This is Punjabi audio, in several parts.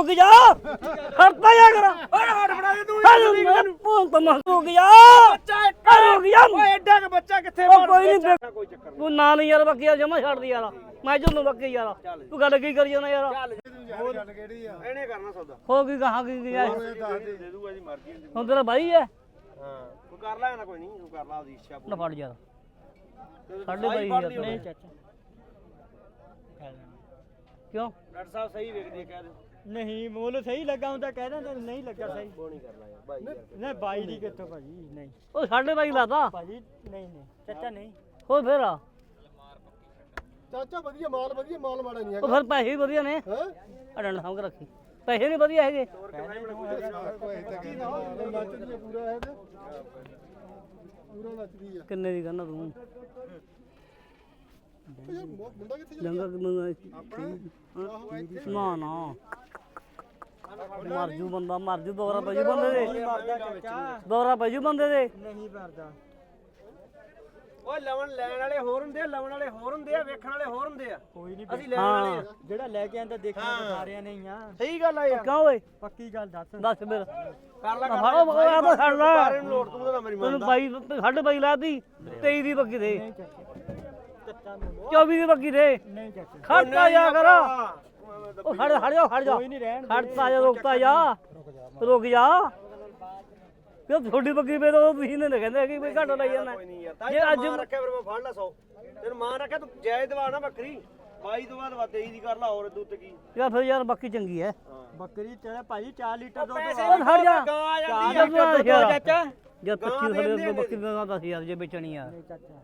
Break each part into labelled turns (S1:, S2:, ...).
S1: ਰੁਕ ਜਾ ਖੜਤਾ ਜਾ ਕਰ ਓਏ ਹੱਟ ਫੜਾ ਦੇ ਤੂੰ ਤੂੰ ਤਾਂ ਰੁਕ ਜਾ ਬੱਚਾ ਰੁਕ ਜਾ
S2: ਓਏ ਐਡਾ ਕ ਬੱਚਾ ਕਿੱਥੇ
S1: ਕੋਈ ਨਹੀਂ ਤੂੰ ਨਾ ਨਹੀਂ ਯਾਰ ਬੱਕੀ ਜਮਾ ਛੱਡਦੀ ਯਾਰ ਮੈਂ ਜਦੋਂ ਬੱਕੀ ਯਾਰ ਤੂੰ ਗੱਲ ਕੀ ਕਰੀ ਜਾਣਾ ਯਾਰ
S2: ਹੋਰ ਗੱਲ ਕਿਹੜੀ ਆ ਇਹਨੇ ਕਰਨਾ ਸੌਦਾ
S1: ਹੋ ਕੀ ਕਹਾ ਕੀ ਗਿਆ
S2: ਦੇ ਦੂਗਾ ਜੀ ਮਰਜ਼ੀ
S1: ਹੁਣ ਤੇਰਾ ਭਾਈ ਹੈ
S2: ਹਾਂ ਤੂੰ ਕਰ ਲੈ ਨਾ ਕੋਈ ਨਹੀਂ ਤੂੰ ਕਰ ਲਾ ਉਹਦੀ ਇੱਛਾ
S1: ਨਾ ਫੜ ਯਾਰ ਸਾਡੇ ਭਾਈ ਯਾਰ ਨਹੀਂ ਚਾਚਾ ਕਿਉਂ
S2: ਡਾਕਟਰ ਸਾਹਿਬ ਸਹੀ ਵੇਖਦੀ ਕਹਿ ਦੇ
S3: ਨਹੀਂ ਮੁੱਲ ਸਹੀ ਲੱਗਾ ਹੁੰਦਾ ਕਹਿ ਦਿੰਦਾ ਨਹੀਂ ਲੱਗਾ ਸਹੀ
S2: ਬੋਣੀ ਕਰ ਲਾ ਯਾਰ ਭਾਈ ਯਾਰ
S3: ਨਹੀਂ ਬਾਈ ਦੀ ਕਿੱਥੋਂ ਭਾਜੀ ਨਹੀਂ
S1: ਉਹ ਸਾਡੇ ਭਾਈ ਲਾਦਾ
S3: ਭਾਜੀ ਨਹੀਂ ਚਾਚਾ ਨਹੀਂ
S1: ਹੋ ਫੇਰ ਆ
S2: ਚਾਚਾ ਵਧੀਆ ਮਾਲ ਮਾੜਾ ਨਹੀਂ
S1: ਉਹ ਫਿਰ ਪੈਸੇ ਵੀ ਵਧੀਆ ਨੇ
S2: ਹੈ
S1: ਅੜਨ ਸਾਂਭ ਕੇ ਰੱਖੀ ਪੈਸੇ ਨਹੀਂ ਵਧੀਆ ਹੈਗੇ
S2: ਪੂਰਾ ਨੱਚਦੀ ਆ
S1: ਕਿੰਨੇ ਦੀ ਕਰਨਾ ਤੂੰ
S2: ਮੁੰਡਾ ਕਿੱਥੇ
S1: ਜੰਗਾ ਨਾ ਨਾ ਮਰਜੂ ਬੰਦਾ ਮਰਜੂ ਦੋਰਾ ਪਜੂ ਬੰਦੇ ਦੇ ਦੋਰਾ ਪਜੂ ਬੰਦੇ ਦੇ
S3: ਨਹੀਂ ਭਰਦਾ
S2: ਓਏ ਲਵਣ ਲੈਣ ਵਾਲੇ ਹੋਰ ਹੁੰਦੇ ਆ ਲਵਣ ਵਾਲੇ ਹੋਰ ਹੁੰਦੇ ਆ ਵੇਖਣ ਵਾਲੇ ਹੋਰ ਹੁੰਦੇ ਆ
S3: ਕੋਈ ਨਹੀਂ
S2: ਅਸੀਂ ਲੈਣ ਵਾਲੇ ਆ
S3: ਜਿਹੜਾ ਲੈ ਕੇ ਆਂਦਾ ਦੇਖਣਾ ਸਾਰਿਆਂ ਨੇ ਹੀ ਆ
S2: ਸਹੀ ਗੱਲ ਆ ਯਾਰ
S1: ਕਿਉਂ ਓਏ
S3: ਪੱਕੀ ਗੱਲ ਦੱਸ
S1: ਦੱਸ ਫਿਰ
S2: ਕਰ ਲੈ
S1: ਫੜੋ ਆ ਤਾਂ ਛੱਡ ਲੈ
S2: ਬਾਰੇ ਨੂੰ ਲੋੜ ਤੂੰ ਤਾਂ ਮੇਰੀ
S1: ਤੈਨੂੰ
S2: ਮੰਨਦਾ
S1: ਬਾਈ ਸਾਡੇ ਬਾਈ ਲਾਤੀ 23 ਦੀ ਬੱਕੀ ਦੇ
S3: ਚਾਚਾ ਨੂੰ
S1: 24 ਦੀ ਬੱਕੀ ਦੇ
S3: ਨਹੀਂ ਚਾਚਾ
S1: ਖੜਤਾ ਜਾ ਕਰ ਉਹ ਖੜ ਜਾ
S3: ਕੋਈ ਨਹੀਂ ਰਹਿਣ
S1: ਖੜਤਾ ਜਾ ਰੁਕਤਾ ਜਾ ਰੁਕ ਜਾ ਕਿਉਂ ਛੋਟੀ ਬੱਕਰੀ ਵੇ ਤਾਂ ਤੁਸੀਂ ਨੇ ਕਹਿੰਦੇ ਕਿ ਕੋਈ ਘੱਟ ਲਈ ਜਾਂਦਾ
S2: ਕੋਈ ਨਹੀਂ ਯਾਰ ਜੇ ਅੱਜ ਰੱਖਿਆ ਫਿਰ ਮੈਂ ਫੜ ਲਾ 100 ਤੈਨੂੰ ਮਾਂ ਰੱਖਿਆ ਤੂੰ ਜਾਇਜ਼ ਦਵਾ ਨਾ ਬੱਕਰੀ 22 ਤੋਂ ਬਾਅਦ 23 ਦੀ ਕਰ ਲਾ ਹੋਰ ਦੁੱਧ ਤੇ ਕੀ
S1: ਯਾਰ ਫਿਰ ਯਾਰ ਬੱਕੀ ਚੰਗੀ ਹੈ
S3: ਬੱਕਰੀ ਤੇਰਾ ਭਾਜੀ 4 ਲੀਟਰ ਦੁੱਧ
S1: ਉਹ ਖੜ ਜਾ
S2: ਗਾਂ ਆ ਜਾਂਦੀ
S3: ਚਾਰ ਲੀਟਰ ਦੁੱਧ ਆ ਚਾਚਾ
S1: ਜਦ 25 ਸਾਡੇ ਬੱਕਰੀ ਦਾ 10000 ਜੇ ਵੇਚਣੀ ਆ
S3: ਨਹੀਂ ਚਾਚਾ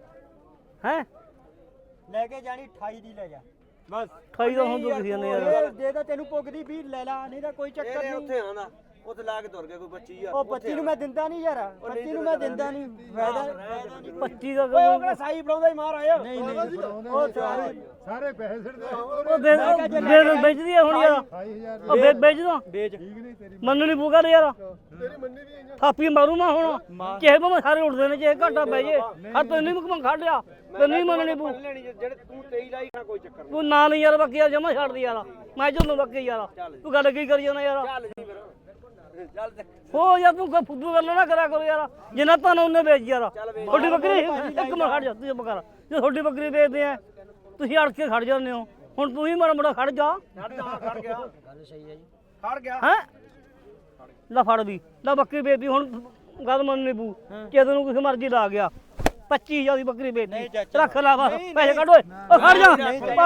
S1: ਹੈ
S3: ਲੈ ਕੇ ਜਾਣੀ 28 ਦੀ ਲੈ ਜਾ ਬਸ
S1: 28 ਦਾ ਹੁਣ ਤੁਸੀਂ ਨੇ ਯਾਰ
S3: ਦੇ ਦਾ ਤੈਨੂੰ ਪੁੱਗਦੀ ਵੀ ਲੈ ਲਾ ਨਹੀਂ ਤਾਂ ਕੋਈ ਚੱਕਰ
S2: ਇਹ
S3: ਨਹੀਂ
S2: ਉੱਥੇ ਆਂਦਾ ਉੱਥੇ ਲਾ ਕੇ ਤੁਰ ਗਿਆ ਕੋਈ 25000
S3: ਉਹ 25 ਨੂੰ ਮੈਂ ਦਿੰਦਾ ਨਹੀਂ ਯਾਰ 25 ਨੂੰ ਮੈਂ ਦਿੰਦਾ ਨਹੀਂ ਫਾਇਦਾ
S1: 25 ਦਾ
S2: ਓਏ ਉਹ ਕਿਹੜਾ ਸਾਈ ਫੜਾਉਂਦਾ ਹੀ ਮਾਰ ਆਇਆ
S3: ਨਹੀਂ ਉਹ
S2: ਸਾਰੇ ਪੈਸੇ ਸਿੱਟਦੇ
S1: ਉਹ ਦੇ ਵੇਚਦੀ ਆ ਹੁਣ ਯਾਰ
S2: 28000
S1: ਉਹ ਵੇਚ ਦੋ
S3: ਵੇਚ
S1: ਮੰਨੂ ਨਹੀਂ ਪੂਗਾ ਯਾਰ
S2: ਤੇਰੀ ਮੰਨੀ ਦੀ ਆਈਆਂ
S1: ਥਾਪੀ ਮਾਰੂ ਮੈਂ ਹੁਣ ਕਿਸੇ ਤੋਂ ਸਾਰੇ ਉੱਠਦੇ ਨੇ ਜੇ ਘਾਟਾ ਪੈ ਜੇ ਹਰ ਤੈਨੂੰ ਨਹੀਂ ਮੁਕਮ ਖੜਿਆ ਤੇ ਨਹੀਂ ਮੰਨਣੀ ਪੂ
S2: ਲੈਣੀ ਜਿਹੜੇ ਤੂੰ 23 ਲਾਈ ਨਾ ਕੋਈ ਚੱਕਰ
S1: ਤੂੰ ਨਾ ਨਹੀਂ ਯਾਰ ਬੱਕੀ ਯਾਰ ਜਮਾ ਛੱਡਦੀ ਯਾਰ ਮੈਂ ਜਦੋਂ ਬੱਕੀ ਯਾਰ ਤੂੰ ਗੱਲ ਕੀ ਕਰੀ ਜਾਂਦਾ ਯਾਰ
S2: ਚੱਲ ਜੀ ਫਿਰ ਚੱਲ ਤੇ
S1: ਹੋ ਯਾਰ ਤੂੰ ਕੋਈ ਫੁੱਦੂ ਗੱਲ ਨਾ ਕਰਿਆ ਕਰੋ ਯਾਰ ਜਿੰਨਾ ਤੁਹਾਨੂੰ ਉਹਨੇ ਵੇਚ ਯਾਰ ਤੁਹਾਡੀ ਬੱਕਰੀ ਇੱਕ ਮਿੰਟ ਖੜ ਜਾ ਤੂੰ ਚੁੱਪ ਕਰ ਜੇ ਤੁਹਾਡੀ ਬੱਕਰੀ ਵੇਚਦੇ ਆ ਤੁਸੀਂ ਅੜ ਕੇ ਖੜ ਜਾਂਦੇ ਹੋ ਹੁਣ ਤੂੰ ਹੀ ਮਾੜਾ ਮੋੜਾ ਖੜ ਜਾ
S2: ਖੜ ਗਿਆ ਗੱਲ ਸਹੀ ਹੈ ਜੀ ਖੜ ਗਿਆ
S1: ਹੈ ਲੈ ਫੜ ਵੀ ਲੈ ਬੱਕਰੀ ਵੇਚਦੀ ਹੁਣ ਗੱਲ ਮੰਨਣੀ ਪੂ ਜੇ ਤੈਨੂੰ ਕਿਸੇ ਮਰਜ਼ੀ ਲਾ ਗਿਆ 25000 ਦੀ ਬੱਕਰੀ ਵੇਚਦੀ ਰੱਖ ਲੈ ਬਸ ਪੈਸੇ ਕੱਢ ਓਏ ਉਹ ਖੜ ਜਾ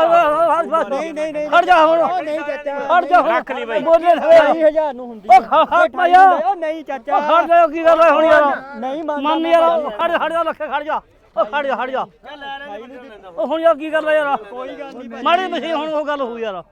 S1: ਨਹੀਂ ਖੜ ਜਾ ਹੁਣ
S3: ਨਹੀਂ ਚਾਚਾ
S1: ਖੜ ਜਾ
S3: ਰੱਖ ਲਈ ਬਾਈ
S1: ਬੋਲੇ
S3: 20000 ਨੂੰ ਹੁੰਦੀ
S1: ਉਹ ਖੜ ਜਾ
S3: ਉਹ ਨਹੀਂ ਚਾਚਾ
S1: ਖੜ ਜਾ ਕੀ ਗੱਲ ਹੈ ਹੁਣ ਯਾਰ
S3: ਨਹੀਂ
S1: ਮੰਨ ਯਾਰ ਖੜ ਜਾ ਲੱਖੇ ਖੜ ਜਾ ਉਹ ਖੜ ਜਾ ਉਹ ਹੁਣ ਯਾਰ ਕੀ ਗੱਲ ਹੈ ਯਾਰ
S3: ਕੋਈ ਗੱਲ ਨਹੀਂ
S1: ਮਾੜੀ ਮਸੀ ਹੁਣ ਉਹ ਗੱਲ ਹੋਈ ਯਾਰ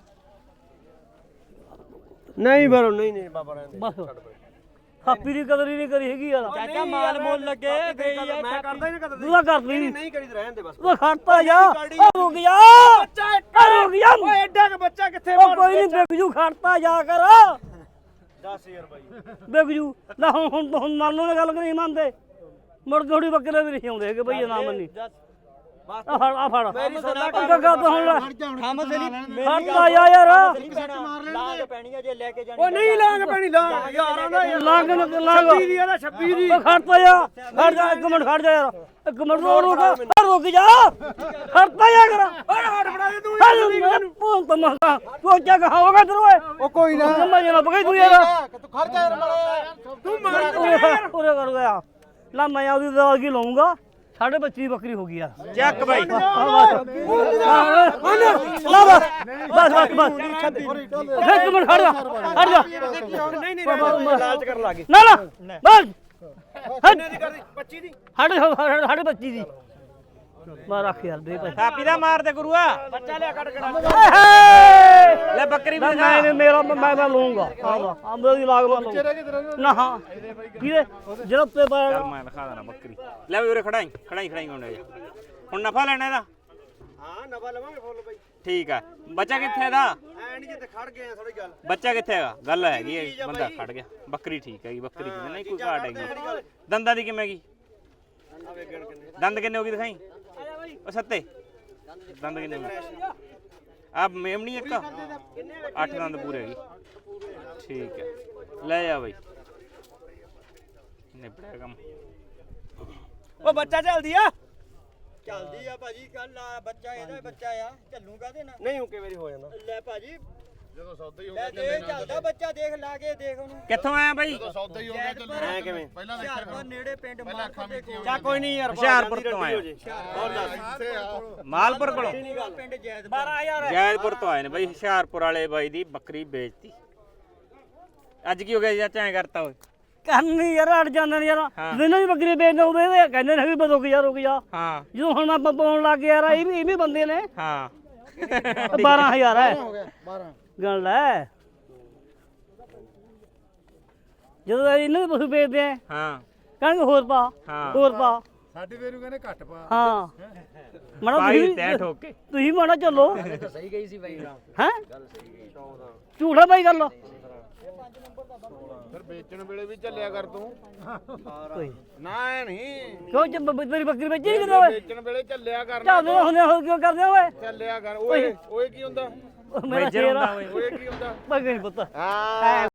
S2: ਨਹੀਂ ਬਰੋ ਨਹੀਂ ਬਾਬਾ ਰਹਿੰਦੇ
S1: ਬਸ ਥਾਪੀ ਦੀ ਕਦਰ ਹੀ ਨਹੀਂ ਕਰੀ ਹੈਗੀ ਯਾਰ
S3: ਚਾਚਾ ਮਾਲ ਮੁੱਲ ਲੱਗੇ ਗਈ ਆ
S2: ਮੈਂ ਕਰਦਾ ਹੀ ਨਾ ਕਦਰ
S1: ਤੂੰ ਤਾਂ ਕਰਦੀ
S2: ਨਹੀਂ ਕਰੀ ਤੇ ਰਹਿਣ ਦੇ ਬਸ
S1: ਤੂੰ ਖੜਤਾ ਜਾ ਉਹ ਰੁਕ ਜਾ ਰੁਕ ਜਾ
S2: ਓਏ ਐਡਾ ਕ ਬੱਚਾ ਕਿੱਥੇ
S1: ਉਹ ਕੋਈ ਨਹੀਂ ਬੇਗਜੂ ਖੜਤਾ ਜਾ ਕਰ
S2: 10000 ਬਾਈ
S1: ਬੇਗਜੂ ਲੈ ਹੁਣ ਮੰਨੋ ਨੇ ਗੱਲ ਨਹੀਂ ਮੰਨਦੇ ਮੁੜ ਥੋੜੀ ਬੱਕਰੇ ਵੀ ਨਹੀਂ ਆਉਂਦੇ ਹੈਗੇ ਬਈ ਨਾ ਮੰਨੀ ਆ ਫੜ
S2: ਮੇਰੀ ਸੌਦਾ
S1: ਗੱਗਾ ਤਾਂ ਹੁਣ ਲੈ
S3: ਥਾਮਸ ਨਹੀਂ
S1: ਖੜਤਾ ਜਾ ਯਾਰ
S3: ਲਾਗ ਪੈਣੀ ਆ ਜੇ ਲੈ ਕੇ ਜਾਣੀ
S2: ਓ ਨਹੀਂ ਲਾਂਗ ਪੈਣੀ ਲਾਂਗ ਯਾਰਾਂ ਦਾ
S1: ਲਾਗ
S2: 26 ਦੀ ਇਹਦਾ 26 ਦੀ
S1: ਉਹ ਖੜਤਾ ਜਾ ਖੜ ਜਾ ਇੱਕ ਮਿੰਟ ਖੜ ਜਾ ਯਾਰ ਇੱਕ ਮਿੰਟ ਰੁਕ ਜਾ ਖੜਤਾ ਜਾ ਕਰ
S2: ਓਏ ਹੱਟ ਫੜਾ ਦੇ ਤੂੰ
S1: ਤੂੰ ਤਾਂ ਮਸਾ ਤੂੰ ਕੀ ਕਹਾਂਗਾ ਤੈਨੂੰ ਓਏ
S2: ਓ ਕੋਈ ਨਾ
S1: ਮੈਂ ਜਨਾ ਬਗਈ ਤੂੰ ਯਾਰ
S2: ਤੂੰ ਖੜ ਜਾ ਯਾਰ ਮਾੜਾ ਤੂੰ ਮਾਰ
S1: ਪੂਰੇ ਕਰ ਗਿਆ ਲਾ ਮੈਂ ਉਹਦੀ ਦਵਾ ਕੀ ਲਾਉਂਗਾ 25 ਬੱਕਰੀ ਹੋ ਗਈ ਯਾਰ
S3: ਚੱਕ ਬਾਈ
S1: ਬਸ ਇੱਕ ਮਿੰਟ ਖੜ ਜਾ
S2: ਨਹੀਂ ਲਾਲਚ ਕਰਨ ਲੱਗੇ
S1: ਨਾ ਬਸ
S2: ਕਿੰਨੇ ਦੀ ਕਰਦੀ 25 ਦੀ
S1: ਸਾਡੇ 25 ਦੀ ਮਾਰ ਰੱਖ ਯਾਰ ਦੇ ਪੈਸੇ
S3: ਥਾਪੀ ਦਾ ਮਾਰ ਦੇ ਗੁਰੂਆ
S2: ਬੱਚਾ ਲਿਆ ਕੱਢ ਕੇ
S3: ਲੈ ਬੱਕਰੀ ਵੀ
S1: ਮੈਂ ਮੇਰਾ ਮੈਂ ਲਊਂਗਾ ਹਾਂ ਮੇਰੀ ਲਾਗ ਮੈਂ ਲਊਂਗਾ ਨਾ ਹਾਂ ਕਿਹਦੇ ਜਿਹੜਾ ਤੇ
S4: ਚੱਲ ਮੈਂ ਦਿਖਾ ਦੇਣਾ ਬੱਕਰੀ ਲੈ ਵੀ ਉਰੇ ਖੜਾਈ ਹੁਣ ਨਫਾ ਲੈਣਾ ਇਹਦਾ
S2: ਹਾਂ ਨਫਾ ਲਵਾਂਗੇ ਫੁੱਲ ਬਾਈ
S4: ਠੀਕ ਆ ਬੱਚਾ ਕਿੱਥੇ ਇਹਦਾ
S2: ਐ ਨਹੀਂ ਜਿੱਥੇ ਖੜ ਗਏ ਆ ਥੋੜੀ ਗੱਲ
S4: ਬੱਚਾ ਕਿੱਥੇ ਹੈਗਾ ਗੱਲ ਹੈਗੀ ਹੈ ਬੰਦਾ ਖੜ ਗਿਆ ਬੱਕਰੀ ਠੀਕ ਹੈਗੀ ਬੱਕਰੀ ਕਿੰਨੇ ਨਹੀਂ ਕੋਈ ਘਾਟ ਹੈਗੀ ਦੰਦਾਂ ਦੀ ਕਿਵੇਂ ਗਈ ਦੰਦ ਕਿੰਨੇ ਹੋ ਗਈ ਦਿਖਾਈ ਉਹ ਸੱਤੇ ਦੰਦ ਕਿੰਨੇ ਆ ਮੇਮਣੀ ਇੱਕ 8 ਦੰਦ ਪੂਰੇ ਹੈਗੀ ਠੀਕ ਹੈ ਲੈ ਜਾ ਬਾਈ ਨਿਬੜਿਆ ਕੰਮ
S2: ਉਹ ਬੱਚਾ ਚੱਲਦੀ ਆ
S3: ਚੱਲਦੀ ਆ ਭਾਜੀ ਕੱਲ ਆ ਬੱਚਾ ਇਹਦਾ ਹੀ ਬੱਚਾ ਆ ਚੱਲੂ ਕਾਹਦੇ ਨਾਲ
S2: ਨਹੀਂ ਹੁਕੇ ਵਾਰੀ ਹੋ ਜਾਂਦਾ
S3: ਲੈ ਭਾਜੀ
S5: ਜਦੋਂ ਸੌਦਾ ਹੀ ਹੋ
S3: ਲੈ ਦੇਖ ਚੱਲਦਾ ਬੱਚਾ ਦੇਖ ਲਾ ਕੇ ਦੇਖ ਉਹਨੂੰ
S4: ਕਿੱਥੋਂ ਆਇਆ ਬਾਈ
S5: ਸੌਦਾ ਹੀ ਹੋ ਗਿਆ ਚੱਲੂ
S2: ਐ ਕਿਵੇਂ
S5: ਪਹਿਲਾਂ
S3: ਹੁਸ਼ਿਆਰਪੁਰ ਨੇੜੇ ਪਿੰਡ ਮਾਲਪੁਰ ਦੇ ਕੋਲ
S2: ਚਾ ਕੋਈ ਨਹੀਂ ਯਾਰ
S4: ਹੁਸ਼ਿਆਰਪੁਰ ਤੋਂ ਆਇਆ
S2: ਹੋਰ ਦੱਸ
S4: ਮਾਲਪੁਰ ਕੋਲੋਂ
S3: ਪਿੰਡ ਜੈਦ
S2: 12000
S4: ਜੈਦਪੁਰ ਤੋਂ ਆਏ ਨੇ ਬਾਈ ਹੁਸ਼ਿਆਰਪੁਰ ਵਾਲੇ ਬਾਈ ਦੀ ਬੱਕਰੀ ਵੇਚਤੀ ਅੱਜ ਕੀ ਹੋ ਗਿਆ ਚਾਚਾ ਐ ਕਰਤਾ ਓਏ
S1: ਕਰਨੀ ਯਾਰ ਅੜ ਜਾਂਦੇ ਨੇ ਯਾਰ ਜਿਹਨਾਂ ਦੀ ਬੱਕਰੀ ਵੇਚਦੇ ਉਹਦੇ ਇਹ ਕਹਿੰਦੇ ਨੇ ਵੀ ਰੁਕ ਜਾ
S4: ਹਾਂ
S1: ਜਦੋਂ ਹੁਣ ਮੈਂ ਪਾਉਣ ਲੱਗ ਗਿਆ ਯਾਰ ਇਹ ਵੀ ਬੰਦੇ ਨੇ
S4: ਹਾਂ
S1: 12000 ਹੈ ਗੱਲ ਹੈ ਜਦੋਂ ਇਹਨਾਂ ਦੇ ਪਸ਼ੂ ਵੇਚਦੇ ਆ
S4: ਹਾਂ
S1: ਕਹਿੰਦੇ ਹੋਰ ਪਾ
S4: ਹਾਂ।
S1: ਹੋਰ ਪਾ
S5: ਸਾਡੇ ਵੇਰੂ ਕਹਿੰਦੇ ਘੱਟ ਪਾ
S1: ਹਾਂ ਮਣਾ
S4: ਬਾਈ ਤੈ ਠੋਕ ਕੇ
S1: ਤੁਸੀਂ ਮਾਣਾ ਚੱਲੋ
S3: ਸਹੀ ਗਈ ਸੀ ਬਾਈ
S1: ਹੈ ਝੂਠਾ ਬਾਈ ਗੱਲ
S5: ਫਿਰ ਵੇਚਣ ਵੇਲੇ ਵੀ ਚੱਲਿਆ ਕਰ ਤੂੰ
S1: ਕੋਈ
S5: ਨਾ ਐ ਨਹੀਂ
S1: ਕਿਉਂ ਜੇ ਤੇਰੀ ਬੱਕਰੀ ਵੇਚੀ ਨਹੀਂ ਕਿਤੇ ਓਏ
S5: ਵੇਚਣ ਵੇਲੇ ਚੱਲਿਆ ਕਰ
S1: ਚੱਲਦੇ ਹੁੰਦੇ ਹੋ ਕਿਉਂ ਕਰਦੇ ਓਏ
S5: ਚੱਲਿਆ ਕਰ ਓਏ ਓਏ ਕੀ ਹੁੰਦਾ
S1: ਮੇਰਾ
S4: ਮੇਜਰ
S1: ਸ਼ੇਰ
S4: ਹੁੰਦਾ
S1: ਆ
S4: ਓਏ
S5: ਓਏ ਕੀ ਹੁੰਦਾ
S1: ਬੱਕਰੀ ਪੁੱਤ
S5: ਹਾਂ